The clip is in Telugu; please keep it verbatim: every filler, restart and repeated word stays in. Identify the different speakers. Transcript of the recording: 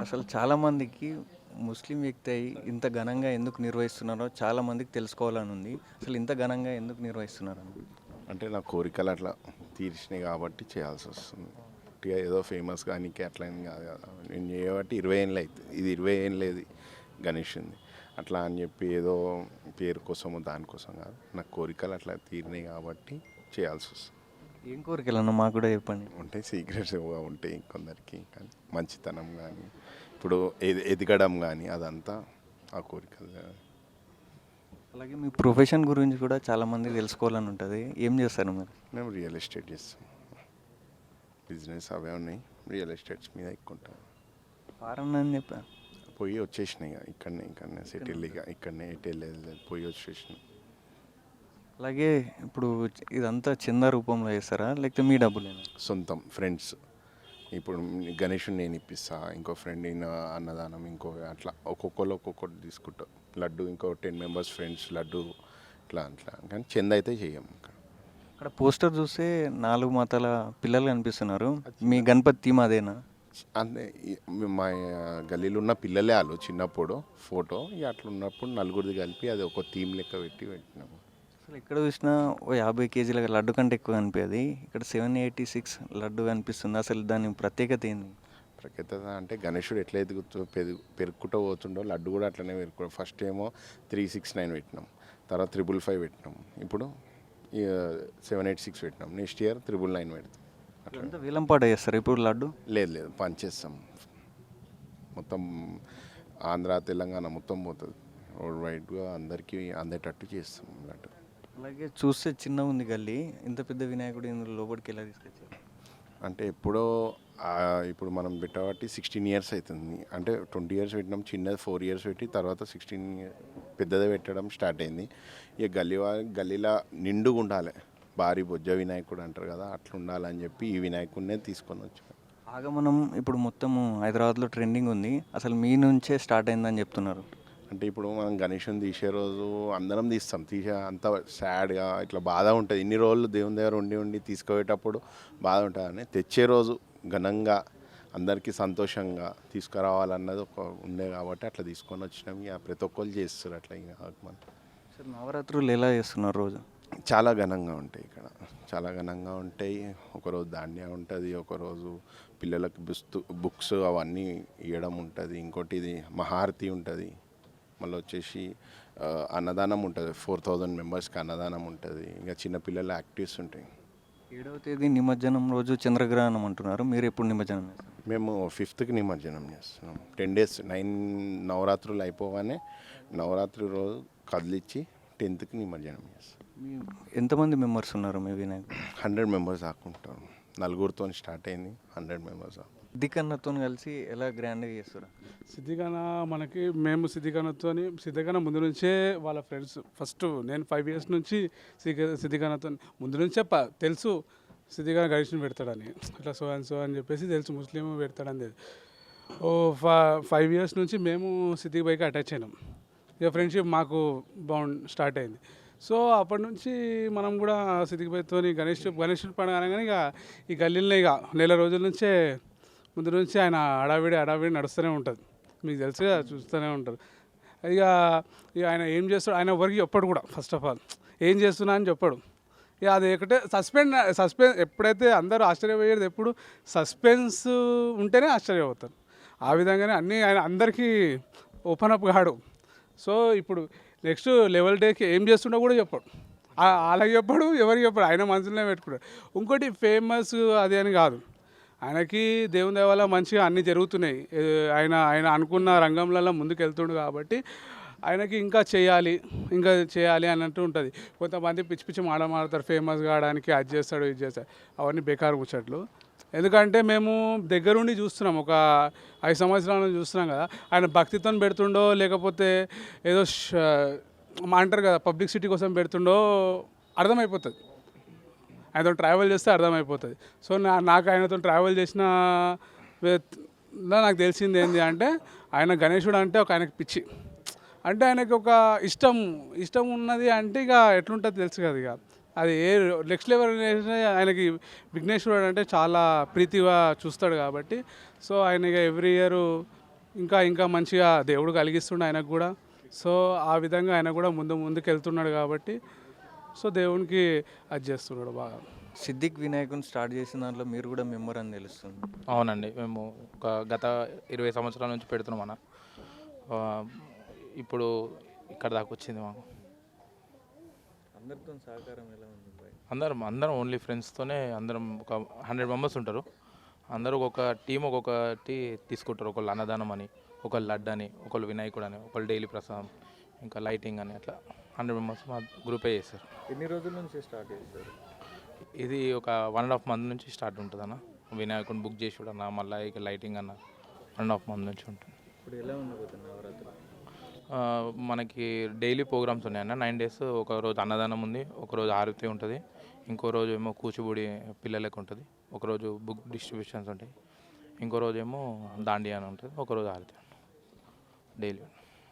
Speaker 1: అసలు చాలామందికి ముస్లిం వ్యక్తి అయి ఇంత ఘనంగా ఎందుకు నిర్వహిస్తున్నారో చాలామందికి తెలుసుకోవాలని ఉంది. అసలు ఇంత ఘనంగా ఎందుకు నిర్వహిస్తున్నారని?
Speaker 2: అంటే నా కోరికలు అట్లా తీర్చినాయి కాబట్టి చేయాల్సి వస్తుంది. ఉట్టిగా ఏదో ఫేమస్ కానీ అట్లా ఏం కాదు కదా. నేను చేయబట్టి ఇరవై ఏళ్ళు అవుతుంది, ఇది ఇరవై ఏం లేదు గణేషుంది. అట్లా అని చెప్పి ఏదో పేరు కోసమో దానికోసం కాదు, నా కోరికలు అట్లా తీరినాయి కాబట్టి చేయాల్సి వస్తుంది.
Speaker 1: ఏం కోరికలన్నా మాకు కూడా చెప్పండి.
Speaker 2: ఉంటాయి, సీక్రెట్స్గా ఉంటాయి కొందరికి, కానీ మంచితనం కానీ ఇప్పుడు ఎది ఎదగడం కానీ అదంతా ఆ కోరికలు.
Speaker 1: అలాగే మీ ప్రొఫెషన్ గురించి కూడా చాలామంది తెలుసుకోవాలని ఉంటుంది. ఏం చేస్తారు మీరు?
Speaker 2: మేము రియల్ ఎస్టేట్ చేస్తాం, బిజినెస్ అవే ఉన్నాయి, రియల్ ఎస్టేట్స్ మీద ఎక్కువ ఉంటాం.
Speaker 1: ఫారెన్ అని చెప్పా
Speaker 2: పోయి వచ్చేసినాయి ఇక ఇక్కడనే, ఇక్కడనే సెటిల్, ఇక ఇక్కడనే ఎటు వెళ్ళలేదు, పోయి వచ్చేసినాం.
Speaker 1: అలాగే ఇప్పుడు ఇదంతా చందా రూపంలో చేస్తారా లేకపోతే మీ డబ్బులేనా?
Speaker 2: సొంతం ఫ్రెండ్స్. ఇప్పుడు గణేషుని నేను ఇప్పిస్తా, ఇంకో ఫ్రెండ్ ఈయన అన్నదానం, ఇంకో అట్లా ఒక్కొక్కరు ఒక్కొక్కటి తీసుకుంటాం. లడ్డు ఇంకో టెన్ మెంబర్స్ ఫ్రెండ్స్ లడ్డు, ఇట్లా అట్లా. కానీ చంద అయితే చెయ్యం. ఇక్కడ
Speaker 1: అక్కడ పోస్టర్ చూస్తే నాలుగు మతాల పిల్లలు కనిపిస్తున్నారు. మీ గణపతి థీమ్ అదేనా?
Speaker 2: అంటే మా గల్లీలో ఉన్న పిల్లలే వాళ్ళు చిన్నప్పుడు ఫోటో, ఇక అట్లా ఉన్నప్పుడు నలుగురిది కలిపి అది ఒక థీమ్ లెక్క పెట్టి పెట్టినాము.
Speaker 1: అసలు ఎక్కడ చూసినా ఓ యాభై కేజీల లడ్డు కంటే ఎక్కువ కనిపించేది, ఇక్కడ సెవెన్ ఎయిటీ సిక్స్ లడ్డు కనిపిస్తుంది. అసలు దాని ప్రత్యేకత ఏంది?
Speaker 2: ప్రఖ్యాత అంటే గణేశుడు ఎట్లా ఎదుగుతూ పెరుగు పెరుక్కుంటూ పోతుండో లడ్డు కూడా అట్లనే పెరుకు. ఫస్ట్ ఏమో త్రీ సిక్స్ నైన్ పెట్టినాం, తర్వాత త్రిబుల్ ఫైవ్ పెట్టినాం, ఇప్పుడు సెవెన్ ఎయిట్ సిక్స్ పెట్టినాం, నెక్స్ట్ ఇయర్ త్రిబుల్ నైన్ పెడతాం.
Speaker 1: అట్లా వేలంపాట చేస్తారు ఇప్పుడు లడ్డు?
Speaker 2: లేదు లేదు, పనిచేస్తాం మొత్తం, ఆంధ్ర తెలంగాణ మొత్తం పోతుంది, రోడ్ వైడ్గా అందరికీ అందేటట్టు చేస్తాం లడ్డు.
Speaker 1: అలాగే చూస్తే చిన్నగా ఉంది గల్లీ, ఇంత పెద్ద వినాయకుడు ఇందులో లోపలికి ఎలా తీసుకొచ్చారు?
Speaker 2: అంటే ఎప్పుడో ఇప్పుడు మనం పెట్టబట్టి సిక్స్టీన్ ఇయర్స్ అవుతుంది. అంటే ట్వంటీ ఇయర్స్ పెట్టినాం, చిన్నది ఫోర్ ఇయర్స్ పెట్టి తర్వాత సిక్స్టీన్ పెద్దది పెట్టడం స్టార్ట్ అయింది. ఇక గల్లీ గల్లీలో నిండుగా ఉండాలి, భారీ బొజ్జ వినాయకుడు అంటారు కదా, అట్లా ఉండాలని చెప్పి ఈ వినాయకుడినే తీసుకొని వచ్చాం.
Speaker 1: ఆగమనం ఇప్పుడు మొత్తం హైదరాబాద్లో ట్రెండింగ్ ఉంది, అసలు మీ నుంచే స్టార్ట్ అయిందని చెప్తున్నారు.
Speaker 2: అంటే ఇప్పుడు మనం గణేషుని తీసే రోజు అందరం తీస్తాం, తీసే అంత సాడ్గా ఇట్లా బాధ ఉంటుంది. ఇన్ని రోజులు దేవుని దగ్గర ఉండి ఉండి తీసుకుపోయేటప్పుడు బాధ ఉంటుంది, అని తెచ్చే రోజు ఘనంగా అందరికీ సంతోషంగా తీసుకురావాలన్నది ఒక ఉండే కాబట్టి అట్లా తీసుకొని వచ్చినాం. ఇక ప్రతి ఒక్కరు చేస్తారు అట్లా. ఇక మనం
Speaker 1: సార్ నవరాత్రులు ఎలా చేస్తున్నారు? రోజు
Speaker 2: చాలా ఘనంగా ఉంటాయి ఇక్కడ, చాలా ఘనంగా ఉంటాయి. ఒకరోజు ధాన్య ఉంటుంది, ఒకరోజు పిల్లలకు బుస్తు బుక్స్ అవన్నీ ఇవ్వడం ఉంటుంది, ఇంకోటి ఇది మహారతి ఉంటుంది, మళ్ళీ వచ్చేసి అన్నదానం ఉంటుంది, ఫోర్ థౌజండ్ మెంబర్స్కి అన్నదానం ఉంటుంది. ఇంకా చిన్నపిల్లల యాక్టివిటీస్ ఉంటాయి.
Speaker 1: ఏడవ తేదీ నిమజ్జనం రోజు చంద్రగ్రహణం అంటున్నారు, మీరు ఎప్పుడు నిమజ్జనం చేస్తారు?
Speaker 2: మేము ఫిఫ్త్కి నిమజ్జనం చేస్తున్నాం. టెన్ డేస్ నైన్ నవరాత్రులు అయిపోగానే నవరాత్రి రోజు కదిలిచ్చి టెన్త్కి నిమజ్జనం చేస్తాం.
Speaker 1: మీ ఎంతమంది మెంబర్స్ ఉన్నారు మీ వినాయకుడు?
Speaker 2: హండ్రెడ్ మెంబర్స్ ఆకుంటాం, నలుగురితో స్టార్ట్ అయింది, హండ్రెడ్ మెంబర్స్.
Speaker 1: సిద్ధికన్నతో కలిసి ఎలా గ్రాండ్గా చేస్తారు?
Speaker 3: సిద్ధిగాన మనకి మేము సిద్ధిగానతో సిద్ధిగాన ముందు నుంచే వాళ్ళ ఫ్రెండ్స్, ఫస్ట్ నేను ఫైవ్ ఇయర్స్ నుంచి సిద్ధి సిద్ధిగానతో ముందు నుంచే ప తెలుసు సిద్ధిగాన గణేష్ని పెడతాడని, ఇట్లా సో అండ్ సో అని చెప్పేసి తెలుసు, ముస్లిం పెడతాడని తెలుసు. ఓ ఫైవ్ ఇయర్స్ నుంచి మేము సిద్ధికి బైక్ అటాచ్ అయినాం. ఇక ఫ్రెండ్షిప్ మాకు బాగుంది స్టార్ట్ అయింది. సో అప్పటి నుంచి మనం కూడా సిద్ధికి బైక్తో గణేష్ గణేష్ పండుగ అనగానే ఇక ఈ గల్లీలో ఇక నెల రోజుల నుంచే ముందు నుంచి ఆయన అడావిడి అడావిడి నడుస్తూనే ఉంటుంది, మీకు తెలుసు కదా, చూస్తూనే ఉంటారు. ఇక ఇక ఆయన ఏం చేస్తాడు, ఆయన ఎవరికి చెప్పాడు కూడా, ఫస్ట్ ఆఫ్ ఆల్ ఏం చేస్తున్నా అని చెప్పాడు. ఇక అది ఒకటే సస్పెండ్ సస్పెన్స్ ఎప్పుడైతే అందరూ ఆశ్చర్యపోయేది ఎప్పుడు సస్పెన్స్ ఉంటేనే ఆశ్చర్యపోతారు. ఆ విధంగానే అన్నీ ఆయన అందరికీ ఓపెన్ అప్ కాడు. సో ఇప్పుడు నెక్స్ట్ లెవెల్ డేకి ఏం చేస్తుండో కూడా చెప్పాడు, అలాగే చెప్పాడు, ఎవరికి చెప్పాడు, ఆయన మనసులోనే పెట్టుకున్నాడు. ఇంకోటి ఫేమస్ అది అని కాదు, ఆయనకి దేవుని దయ వల్ల మంచిగా అన్నీ జరుగుతున్నాయి. ఆయన ఆయన అనుకున్న రంగంలలో ముందుకు వెళ్తుండు కాబట్టి ఆయనకి ఇంకా చేయాలి ఇంకా చేయాలి అన్నట్టు ఉంటుంది. కొంతమంది పిచ్చి పిచ్చి మాట మాడతారు, ఫేమస్ కావడానికి అది చేస్తాడు ఇది చేస్తాడు, అవన్నీ బేకారు ముచ్చట్లు. ఎందుకంటే మేము దగ్గరుండి చూస్తున్నాం, ఒక ఐదు సంవత్సరాల నుంచి చూస్తున్నాం కదా, ఆయన భక్తితో పెడుతుండో లేకపోతే ఏదో అంటారు కదా పబ్లిసిటీ కోసం పెడుతుండో అర్థమైపోతుంది. ఆయనతో ట్రావెల్ చేస్తే అర్థమైపోతుంది. సో నా నాకు ఆయనతో ట్రావెల్ చేసిన నాకు తెలిసింది ఏంటి అంటే, ఆయన గణేశుడు అంటే ఒక ఆయనకి పిచ్చి, అంటే ఆయనకి ఒక ఇష్టం ఇష్టం ఉన్నది అంటే ఇక ఎట్లుంటుంది తెలుసు కదా. ఇక అది ఏ నెక్స్ట్ లెవెల్ ఆయనకి విఘ్నేశ్వరుడు అంటే చాలా ప్రీతిగా చూస్తాడు కాబట్టి, సో ఆయన ఇక ఎవ్రీ ఇయర్ ఇంకా ఇంకా మంచిగా దేవుడు కలిగిస్తుండే ఆయనకు కూడా. సో ఆ విధంగా ఆయన కూడా ముందు ముందుకు వెళ్తున్నాడు కాబట్టి సో దేవునికి అది చేస్తున్నాడు బాగా.
Speaker 1: సిద్దిక్ వినాయకుని స్టార్ట్ చేసిన దాంట్లో మీరు కూడా మెంబర్ అని తెలుస్తుంది.
Speaker 4: అవునండి, మేము ఒక గత ఇరవై సంవత్సరాల నుంచి పెడుతున్నాం అన్న. ఆ, ఇప్పుడు ఇక్కడ దాకా వచ్చింది మాకు.
Speaker 1: అందరితో సహకారం ఎలా ఉంది బాయ్?
Speaker 4: అందరం అందరం ఓన్లీ ఫ్రెండ్స్తోనే అందరం ఒక హండ్రెడ్ మెంబర్స్ ఉంటారు. అందరూ ఒక్కొక్క టీం ఒక్కొక్కటి తీసుకుంటారు. ఒకళ్ళు అన్నదానం అని, ఒకళ్ళు లడ్డు అని, ఒకళ్ళు వినాయకుడు అని, ఒకళ్ళు డైలీ ప్రసాదం, ఇంకా లైటింగ్ అని, అట్లా హండ్రెడ్ మెంబర్స్ మా గ్రూపే చేస్తారు.
Speaker 1: ఎన్ని రోజుల నుంచి స్టార్ట్ చేస్తారు?
Speaker 4: ఇది ఒక వన్ అండ్ హాఫ్ మంత్ నుంచి స్టార్ట్ ఉంటుంది అన్న. వినాయకుడిని బుక్ చేసి అన్న, మళ్ళీ ఇక లైటింగ్ అన్న వన్ అండ్ హాఫ్ మంత్ నుంచి ఉంటుంది.
Speaker 1: ఇప్పుడు ఎలా ఉండబోతుంది నవరాత్రి?
Speaker 4: ఆ, మనకి డైలీ ప్రోగ్రామ్స్ ఉన్నాయన్న. నైన్ డేస్ ఒక రోజు అన్నదానం ఉంది, ఒక రోజు ఆరతి ఉంటుంది, ఇంకో రోజు ఏమో కూచిపూడి పిల్లలకు ఉంటుంది, ఒకరోజు బుక్ డిస్ట్రిబ్యూషన్స్ ఉంటాయి, ఇంకో రోజు ఏమో దాండియా అని ఉంటుంది, ఒకరోజు ఆరతి డైలీ.